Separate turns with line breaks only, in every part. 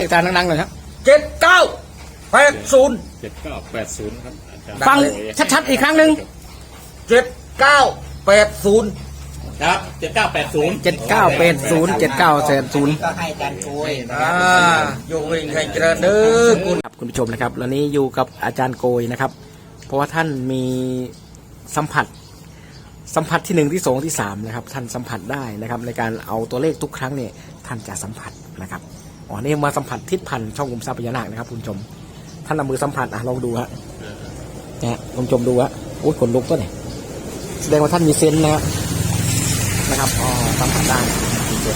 อาจารย์นั่งๆหน่อยครับ
7980
7980ครับอาจารย์
ฟังชัดๆอีกครั้งหนึ่ง
7980
ครับ7980
7980
ก็ให้อาจารย์โกยนะค
อ่า
รับ
โยงเวงใครเจริญเด้อคุณ
ครับคุณผู้ชมนะครับวันนี้อยู่กับอาจารย์โกยนะครับ เพราะว่าท่านมีสัมผัสที่1ที่2ที่3นะครับท่านสัมผัสได้นะครับในการเอาตัวเลขทุกครั้งเนี่ยท่านจะสัมผัสนะครับอ๋อนี่มาสัมผัสทิศพันธ์ช่องกลุ่มทรัพย์พญานาคนะครับคุณผู้ชมท่านเอามือสัมผัสลองดูฮะเนี่ยคุณผู้ชมดูฮะโอ้ยขนลุกตัวเนี่ยแสดงว่าท่านมีเซนส์นะครับอ๋อสัมผัสได้คุณผู้ชม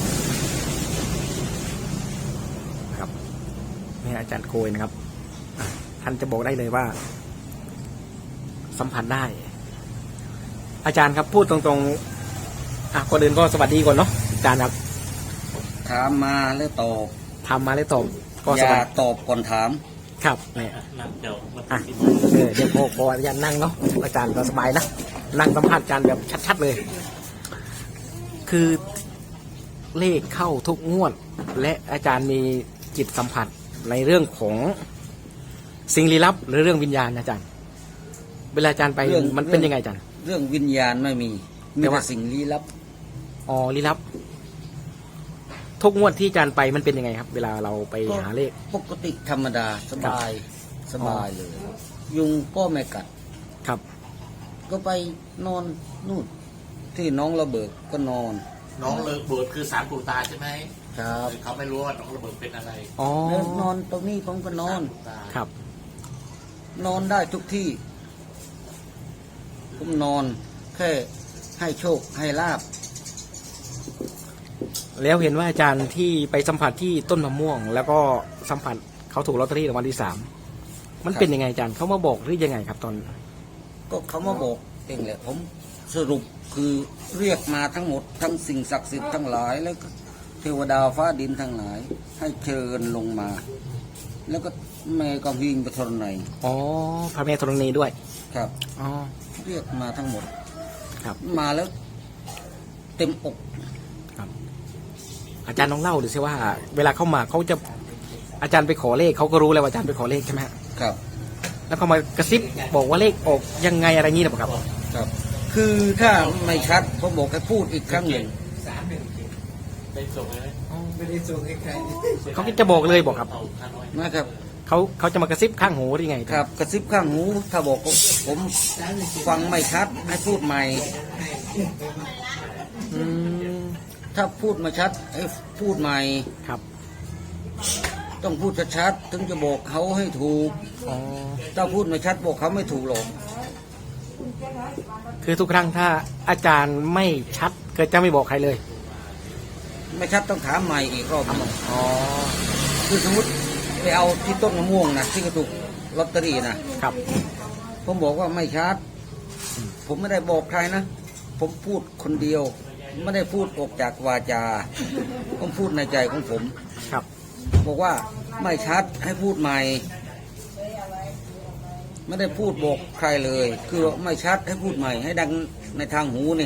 นะครับนี่อาจารย์โกยนะครับท่านจะบอกได้เลยว่าสัมผัสได้อาจารย์ครับพูดตรงๆก่อนอื่นก็สวัสดีก่อนเนาะอาจารย์ครับ
ถามมาแล้วตอบ
ทำมาแล้วตอบก็
อ
ส
ย่า
วัสดี
ตอบก่อนถาม
ครับเนี่ย
เดี๋ยวมา
เดี๋ยวพออาจารย์นั่งเนาะอาจารย์ก็สบายนะนั่งสัมภาษณ์อาจารย์แบบชัดๆเลย คือเลขเข้าทุกงวด และอาจารย์มีจิตสัมผัสในเรื่องของสิ่งลี้ลับหรือเรื่องวิญญาณอาจารย์เวลาอาจารย์ไปมันเป็นยังไงอาจารย์
เรื่องวิญญาณไม่มี
แต่
มี
ว่า
แต่สิ่งลี้ลับ
อ๋อลี้ลับทุกงวดที่อาจารย์ไปมันเป็นยังไงครับ เวลาเราไปหาเลข
ปกติธรรมดาสบายสบายเลย ยุงก็ไม่กัด
ครับ
ก็ไปนอนนู่นที่น้องระเบิดก็นอน
น้องเลิกบวชคือสารปูตาใช่ไหม
ครับ
เขาไม่รู้ว่าน้องระเบิดเป็นอะไร
อ๋อ
แล้วนอนตรงนี้ผมก็นอน
ปูตา
ครับ
นอนได้ทุกที่ ผมนอนแค่ให้โชคให้ลาบ
แล้วเห็นว่าอาจารย์ที่ไปสัมผัสที่ต้นมะม่วง แล้วก็สัมผัสเขาถูกลอตเตอรี่รางวัลที่3มันเป็นยังไงอาจารย์เขามาบอกหรือยังไงครับตอน
ก็เขามาบอกเองแหละผมสรุปคือเรียกมาทั้งหมดทั้งสิ่งศักดิ์สิทธิ์ทั้งหลาย แล้วก็เทวดาฟ้าดินทั้งหลาย ให้เชิญลงมา แล้วก็แม่ก็วิ่งไปทนไหน
อ๋อพระแม่ธรณีด้วย
ครับ
อ๋อ
เรียกมาทั้งหมด
ครับ
มาแล้ว เต็มอก
อาจารย์ลองเล่าดูสิว่า เวลาเข้ามาเขาจะอาจารย์ไปขอเลขเขาก็รู้แล้วว่าอาจารย์ไปขอเลขใช่ไหมฮะ
ครับ
แล้วเขามากระซิบบอกว่าเลขออกยังไงอะไรงี้หรือเปล่าครับ
ครับ คือถ้าไม่ชัดผมบอกให้พูดอีกครั้งหนึ่ง
ไปส่งเลยไหม
เขาก็จะบอกเลยบอกครับ
เอาค่าน้อย
นะครับ
เขาจะมากระซิบข้างหูหรือไง
ครับกระซิบข้างหู ถ้าบอกผมฟังไม่ชัดให้พูดใหม่
อืม
ถ้าพูดมาชัดให้พูดใหม่
ครับ
ต้องพูดชัดๆถึงจะบอกเขาให้ถูก
อ๋อ
ถ้าพูดไม่ชัดบอกเขาไม่ถูกหรอก
คือทุกครั้งถ้าอาจารย์ไม่ชัดก็จะไม่บอกใครเลย
ไม่ชัดต้องถามใหม่อีกรอบหนึ่ง
อ๋อ
คือสมมติไปเอาที่ต้นมะม่วงนะที่กระตุกลอตเตอรี่นะครับ ผมบอกว่าไม่ชัด ผมไม่ได้บอกใครนะ ผมพูดคนเดียว ไม่ได้พูดออกจากวาจา ผมพูดในใจของผม
ครับ
บอกว่าไม่ชัดให้พูดใหม่ ไม่ได้พูดบอกใครเลย คือไม่ชัดให้พูดใหม่ ให้ดังในทางหูนี่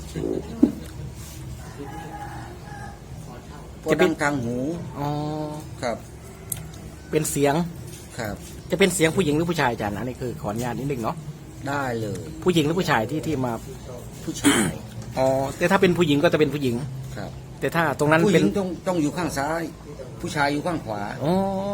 พอดังทางหู
อ๋อ
ครับ
เป็นเสียง
ครับ
จะเป็นเสียงผู้หญิงหรือผู้ชายอาจารย์อันนี้คือขออนุญาตนิดนึงเนาะ
ได้เลย
ผู้หญิงหรือผู้ชายที่มา
ผู้ชาย
อ๋อแต่ถ้าเป็นผู้หญิงก็จะเป็นผู้หญิง
ครับ
แต่ถ้าตรงนั้น
ผู้ห
เป็
ญิ
น
งต้องอยู่ข้างซ้าย ผู้ชายอยู่ข้างขวา
อ๋อ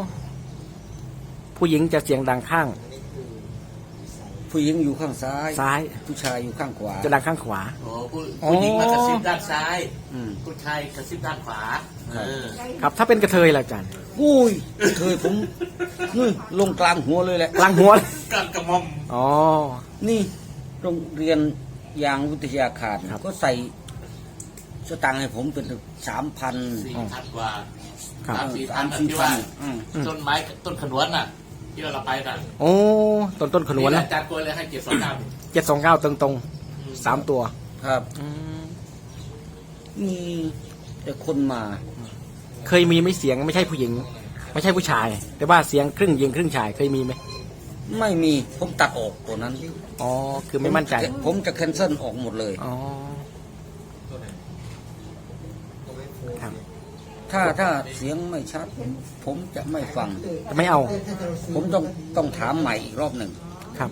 ผู้หญิงจะเสียงดังข้าง
ผู้หญิงอยู่ข้างซ้าย
ซ้าย
ผู้ชายอยู่ข้างขวา
จะดังข้างขวา
โอ้ผู้หญิงมากระซิบด้านซ้าย
อืม
ผู้ชายกระซิบด้านขวา
ครับ
ครับถ้าเป็นกระเทยล่ะอาจารย์
อุ้ยเคยผมนี่ลงกลางหัวเลยแหละ
กลางหัวเลย
กันกระหม่อม
อ๋อ
นี่โรงเรียนยางวิทยาคาร
ครับ
ก็ใส่สตังค์ให้ผมเป็น3,000
4,000 กว่า
ครับ
3-4,000ที่ว่าต้นไม้ต้นขนวนน่ะ ที่เราไปน่ะ
โอ้ต้นขนวนนะ
อาจารย์กล้วยเลยให้729
729ตรงๆ3ตัว
ครับ
อืม
มีแต่คนมา
เคยมีไหม่เสียงไม่ใช่ผู้หญิง ไม่ใช่ผู้ชาย แต่ว่าเสียงครึ่งหญิงครึ่งชายเคยมีไหม
ไม่มีผมตัดออกตัวนั้น
อ๋อคือไม่มั่นใจ
ผมจะแคนเซิลออกหมดเลย
อ๋อครับ
ถ้าเสียงไม่ชัด ผมจะไม่ฟัง
ไม่เอา
ผมต้องถามใหม่อีกรอบหนึ่ง
ครับ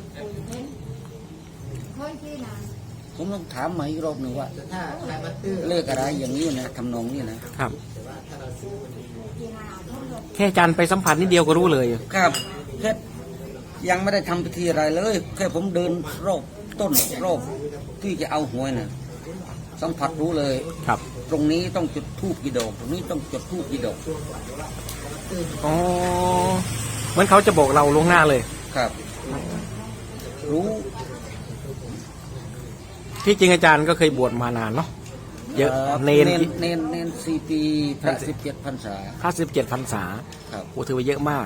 ผมต้องถามใหม่อีกรอบหนึ่งว่าเลขอะไรอย่างนี้นะทำนองนี้นะครับ
แค่อาจารย์ไปสัมผัสนิดเดียวก็รู้เลย
ครับแค่ยังไม่ได้ทำพิธีอะไรเลย แค่ผมเดินรอบต้นรอบที่จะเอาหวยนะสัมผัสรู้เลย
ครับ
ตรงนี้ต้องจุดธูปกี่ดอกตรงนี้ต้องจุดธูปกี่ดอก
อ๋อเหมือนเขาจะบอกเราล่วงหน้าเลย
ครับ รู้
ที่จริงอาจารย์ก็เคยบวชมานานเนาะเยอะเนน
เนน4 ปีพระ17 พรรษา
57 พรรษา
ครับ
โอ้ถือว่าเยอะมาก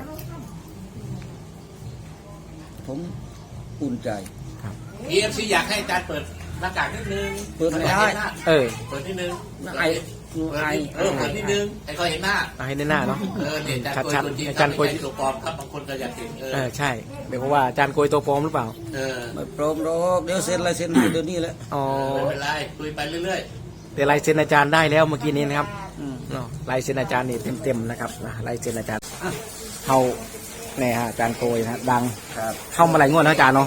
ผมอุ่นใจ
EFC อยากให้อาจารย์เปิดหน้ากากนิดนึง
เปิดไม่ได้
เออ
เปิดนิดนึง
ไอ
เปิดนิดนึงให้เขาเห็นหน้า
เอาให้ได้หน้าเนาะ
เนี่ยอาจารย์
ชัด
โกยตัวจริง
ๆอาจารย์โกย
ไม่ใช่ตัวปลอมครับบางคนก็อยากเห็น
ใช่เดี๋ยวเพราะว่าอาจารย์โกยตัวปลอมหรือเปล่า
ไม่พร้อมหรอกเดี๋ยวเซ็นอะไรเซ็นให้เดี๋ยวนี้แหละ
อ๋อ
ไม่เป็นไรคุยไปเรื่อย
แต่ลายเซ็นอาจารย์ได้แล้วเมื่อกี้นี้นะครับ
อืม
เนาะลายเซ็นอาจารย์นี่เต็มๆนะครับลายเซ็นอาจารย์เขาเนี่ยฮะอาจารย์โกยนะดัง
ครับ
เข้ามาหลายงวดแล้วอาจารย์เนาะ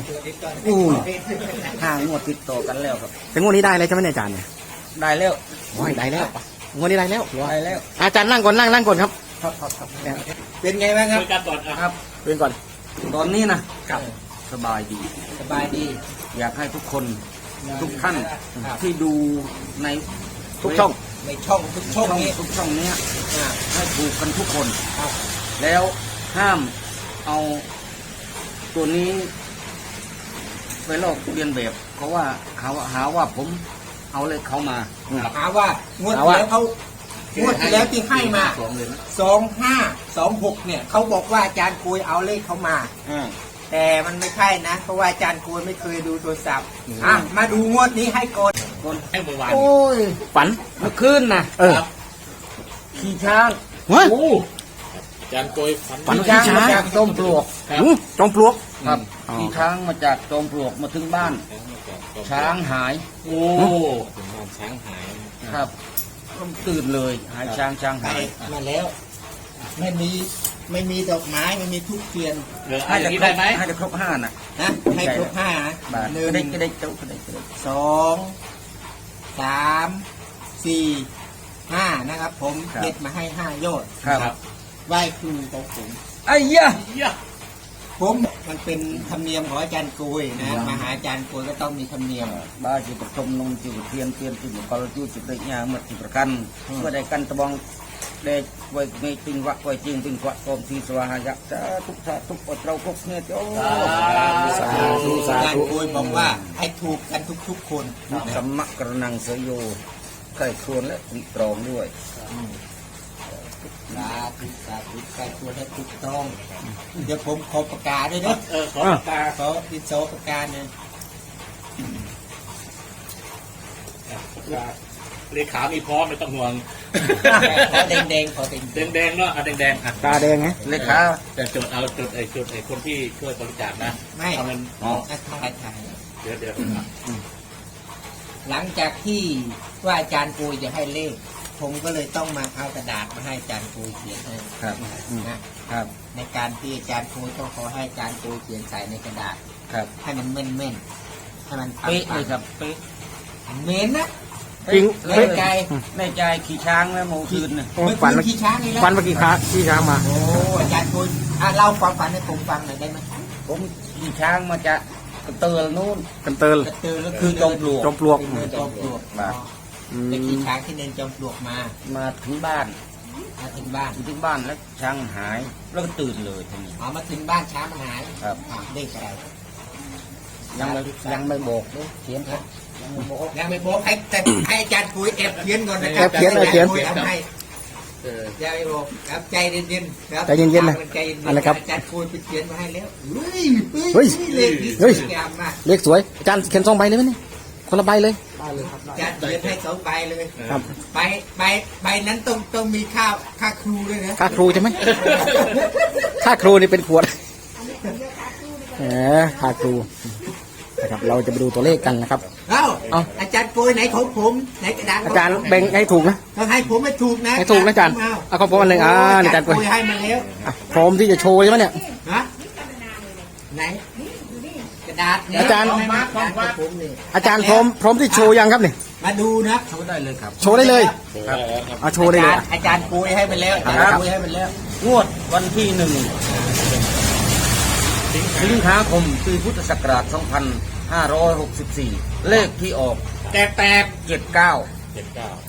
5 งวดติดต่อกันแล้วครับ
แต่งวดนี้ได้เลยใช่ไหมเนี่ยอาจารย์เนี่ย
ได้แล้ว
โอ้ยได้แล้วงวดนี้ได้แล้ว
ได้แล้ว
อาจารย์นั่งก่อนนั่งก่อนครับ
ครับเป็นไงบ้าง
ๆ
ครับ
คุยกันก่อน
ครับ
เรียนก่อน
ตอนนี้นะครับ สบายดี
สบายดี
อยากให้ทุกคนทุกท่านที่ดูใน
ทุกช่อง
ในช่องทุกช่องนี้
ทุกช่องเนี้ย
อ่า
ให้ถูกกันทุกคน แล้วห้ามเอาตัวนี้ไปลอกเลียนแบบเขาว่าหาว่าผมเอาเลยเขามา
หาว่างวด
หาว่า
แล้วเขางวดที่แล้วที่ให้มา
สองเลยนะ
2526เนี่ยเขาบอกว่าอาจารย์คุยเอาเลขเขามา แต่มันไม่ใช่นะ เพราะว่าอาจารย์คุยไม่เคยดูโทรศัพท์มาดูงวดนี้ให้ก่อน
ให้เมื่อวาน
โอ้ย
ฝัน
เมื่อคืนนะ
เออ
ขี่ช้าง
เฮ้ย
อาจารย์โกยฝัน
ฝัน
ขี่ช้างมาจากจอมปลวก
จอมปลวก
ครับ
อ๋อ
ขี่ช้างมาจากจอมปลวกมาถึงบ้าน ช้างหาย
โอ้
ถึงบ้านช้างหาย
ครับต้องตื่นเลยหายช้างช้าง
ไป
หาย
มาแล้ว ไม่มีดอกไม้ไม่มีทุกเทียน
ให้อย่างนี้ได้ไหม
ให้จะครบ5น่ะ
นะให้ครบ5นะ
บาท
หนึ่ง
ก็ได้เจ้าก็ได้
2 3 4 5นะครับ ผมเด็ดมาให้5ยอด
ครับ
ไหว้ครูของผม
ไอ้ยะ
เยี่ย
ผมมันเป็นธรรมเนียมของอาจารย์โกยนะมาหาอาจารย์โกยก็ต้องมีธรรมเนียม
บ้าจิตชมนงจิตเทียนเทียนจิตกอลจิตจิตได้ยาเมื่อจิตประกันเมื่อได้กันตะบองได้ไว้ไม่ติงวะไว้จริงติงวะกอมทีสวาหายะจะทุกชาทุกอดเราพกเนี่ยโอ้
สาธุสา
อาจาร
ธุ
ย์โกยบอกว่าให้ถูกกันทุกๆคน
สัมมะกระนังเสยโยใครควรและตรีตรองด้วย
สาธุสาธุใครควรให้ถูกต้องเดี๋ยวผมขอประกาศด้วยนะ
ขอปากกา
ขอดินโซประกาศเนี่ย
เลขามีพร้อมไม่ต้องห่วง
ขอแดงๆขอแดง
แดงๆเนาะแดงๆอ่ะ
ตาแดงไง
เลขา
แต่จดเอาจดไอ้คนที่ช่วยบริจาคนะ
ๆไม่
เอาเงิน
ถ่าย
เดี๋ยว
หลังจากที่ว่าอาจารย์โกยจะให้เลข ผมก็เลยต้องมาเอากระดาษมาให้อาจารย์โกยเขียนให้
ครับ
นะครับ ในการที่อาจารย์โกยต้องขอให้อาจารย์โกยเขียนใส่ในกระดาษ
ครับ
ให้มันแม่นๆให้มัน
เป๊ะเลยครับเป๊ะ
เม้นนะ
จริง
แน่ใจ
ในใจขี่ช้างแล้วโมคืนน่ะ
โอ้
เมื่อ
ฝัน
คื
เมื่
น
อ
ขี่ช้างนี่แล้ว
ฝันเมื่อกี้ค้าที่ช้างมา
โอ้อาจารย์โกยเล่าความฝันให้ผมฟังหน่อยได้ไหม
ผมขี่ช้างมาจากกระเตอนู่น
กันเติล
กระตือแล้ว
คือจอมปลวก
จอมปลวก
จอมปลวก
ครับ
ไปขี่ช้างที่เนินจอมปลวกมา
มาถึงบ้าน
มาถึงบ้าน
ถึงบ้านแล้วช้างหายแล้วก็ตื่นเลยทีนี้
เอามาถึงบ้านช้างมันหาย
ครับ
เลขอะไร
ยังไม่บอกเลยเขียนครับยังไม่บอก
ยังไม่บอกให้แต่ให้อาจารย์คุยแอบเขียนก่อนนะครั
แอบเขียนแอบเขียน
อาจารคุทำให้
เออ
อย่าไปบอกครับใจเย็นๆครับ
ใจเย็นๆนะ
ใจเย็นๆ
อะไรครับ
อาจารย์คุยไปเขียนมาให้แล้วเฮ้ย
เฮ้ย
เลขนี้ส
เฮ้ย
วยงามมาก
เลขสวยอาจารย์เขียน2 ใบเลยไหมเนี่ยคนละใบเลย
อาจารย์เขียนให้2 ใบเลย
ครับ
ใบนั้นต้องมีค่าครูด้วยนะ
ค่าครูใช่ไหมค่าครูนี่เป็นขวดค่าครูนะครับเราจะไปดูตัวเลขกันนะครับ
เอ้า
เอา
อาจารย์โกยไหนของผมไหนกระดาษ
อาจารย์แบ่งให้ถูกนะ
ต้องให้ผมไม่ถูกนะ
ให้ถูกนะอาจารย์
ผม
เอาของผมอันหนึ่งอาจารย์โกย
ให้มาแล้ว
อ่ะพร้อมที่จะโชว์ใช่ไหมเนี่ย
ฮะไหนกระดาษเนี่ย
อาจารย์
เมมาของผมนี่
อาจารย์พร้อมที่โชว์ยังครับเนี่ย
มาดูนะ
โชว์ได้เลยครับ
โชว์ได้เลยเอาโชว์ได้เลยอ่ะ
อาจารย์โกยให้ไปแล้วอา
ครั
จาร
บ
ย์โกยให้ไปแล้ว
งวดวันที่1 สิงหาคมปีพุทธศักราช 2564 เลขที่ออก
แตก
79
เจ็ดเก้า
80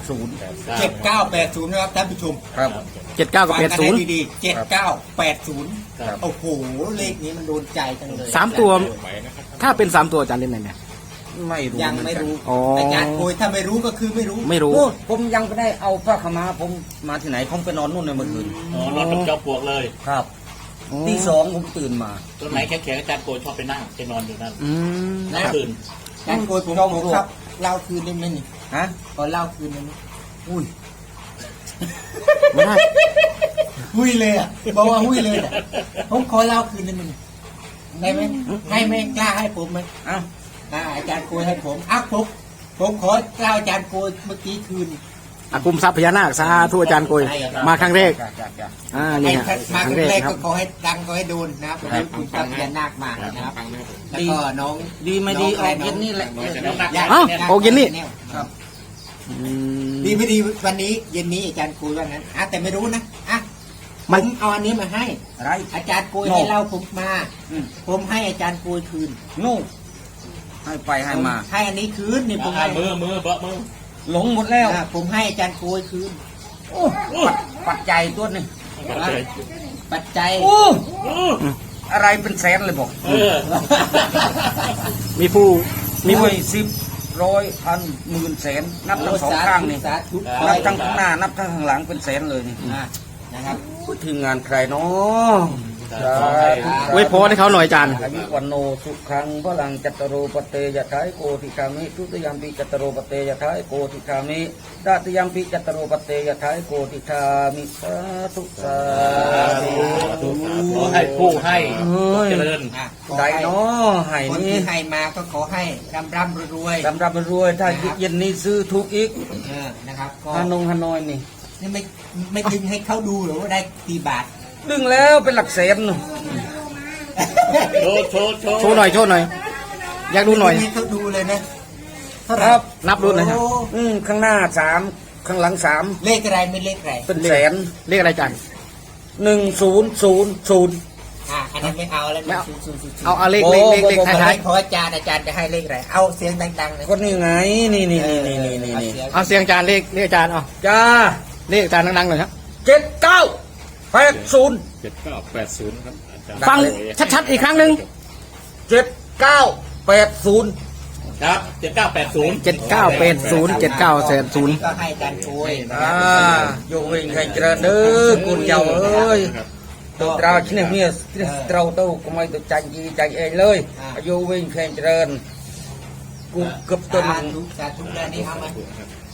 7980นะครับท่านผู้ชม
ครับ
เจ็ดเก้ากับ
ฟัง
แปด
กัน
ศูนย์
ให้ดีๆ7980
ครับ
โอ้โหเลขนี้มันโดนใจจังเลย
สามตัว ถ้าเป็นสามตัวอาจารย์เล่นไหนเนี่ย
ไม่รู้
ยังไม่รู้
อ๋ออ
อาจารย์โกยถ้าไม่รู้ก็คือไม่รู้
ไม่รู้
โอ้ผมยังไม่ได้เอาผ้าขาวม้าผมมาที่ไหนผมไปนอนนู่นในเมื่อคืน
อ๋อนอนกับจอมปลวกเลย
ครับ
อ๋อ
ตีสองผมตื่นมา
ต้นไหนแข็งๆอาจารย์โกชอบไปนั่งไปนอนอยู่นั่น
อืม
นั่งคืน
อาจารย์โกยผมครับเล่าคืนได้ไหมนี่
ฮะ
ขอเล่าคืนได้ไหม
อุ้ย
ไม่ได้
หุ้ยเลยอ่ะบอกว่าหุ้ยเลยอ่ะผมขอเล่าคืนได้ไหมนี่ได้ไหมให้ไหมกล้าให้ผมไหม
เอ้า
อาจารย์โกยให้ผมผมขอเล่าอาจารย์โกยเมื่อกี้คืน
อากุมทรัพย์พญานาคสาธุอาจารย์โกยมาครั้งแรก
จ้ะ
นี่
ให้
ฮะ
มา
ค
ค
รั้
รั้
ง
ง
แร
แร
ก
ก
ครั
ก็
บ
ขอให้ดังขอให้โดนนะครับวันนี้คุณจักรยานนาคมานะครับแล้วก็น้อง
ดีไม่ดีออกเย็นนี่แหละ
เอ้าโอเคนี่
ครับ
อืม
ดีไม่ดีวันนี้เย็นนี้อาจารย์โกยว่างั้นแต่ไม่รู้นะผ
มัน
มเอาอันนี้มาให้
อะไร
อาจารย์โกย
โน่
ให้เล่าผมมา
อืม
ผมให้อาจารย์โกยคืน
นู่นให้ไปให้มา
ให้อันนี้คืนนี่ผม
อ่า
ให้
มือเบาะมือ
หลงหมดแล้ว
ผมให้อาจารย์โกยคืน
โอ้ปัดใจยตัวนี่
ปัจจัย
โอ้อะไรเป็นแสนเลยบอก
เออ
มีผู้มี
มี
ผู้
10 100 พันหมื่นแสนนับทั้งสองข้างนี่
สาธุ
นับทั้งข้างหน้านับทั้งข้างหลังเป็นแสนเลยนี่
นะครับ
พูดถึงงานใครเนาะ
อวยพรให้เขาหน่อยอาจารย์
อายุวันโนสุขังพลังจัตตโรปเตยะทายโกติคามิทุติยมปิจัตตโรปเตยะทายโกติคามิตติยมปิจัตตโรปเตยะทายโกติคามิสาธุสาธุ
ขอให้ผู้ให้เจริญ
ใดเนาะให้
คน
นี่
ที่ให้มาก็ขอให้ร่ำรวย
รำรำรวยถ้าเย็นนี้ซื้อถูกอีก
นะครับก็
ฮานอยนี่
นี่ไม่ดึงให้เขาดูหรือว่าได้กี่บาท
ดึงแล้วเป็นหลักแสน
โชว์
โชว์หน่อยอยากดูหน่อย
ให้เขาดูเลยนะเท่าไห
ค
ร่
รับ
นับดูหน่อยครับ
โอ้
ข้างหน้า3ข้างหลัง3
เลขอะไรไม่เลขอะไร
เป็นแสน
เรียกอะไรอาจารย์
1000
อันนั้นไม่เอาแล้ว
ไม่เอา
ศูนย์
เอาเลข
โอ้
เลข
โอ้
ท้าย
ขออาจารย์จะให้เลขอะไรเอาเสียงดังๆเลย
ก็นี่ไงนี่
ๆเอาเสียงอาจารย์เลขอาจารย์เอา
จ้า
เลขอาจารย์ดังๆหน่อยครับ
7980
7980 ครับอาจารย์
ฟังชัดๆอีกครั้งหนึ่ง
7980
ครับ7980
7980 7900
ก็ให้อาจารย์โกยนะค
อ่า
รับ
โยเวงใครเจริญเด้อกุญเจ้าเอ้ยตัวเราชนิดนี้เราเต้าก็ไม่ตัวใจดีใจเองเลยโยเวงใครเจริญกูเกับต้น
สาธุแล้วนี่เอามา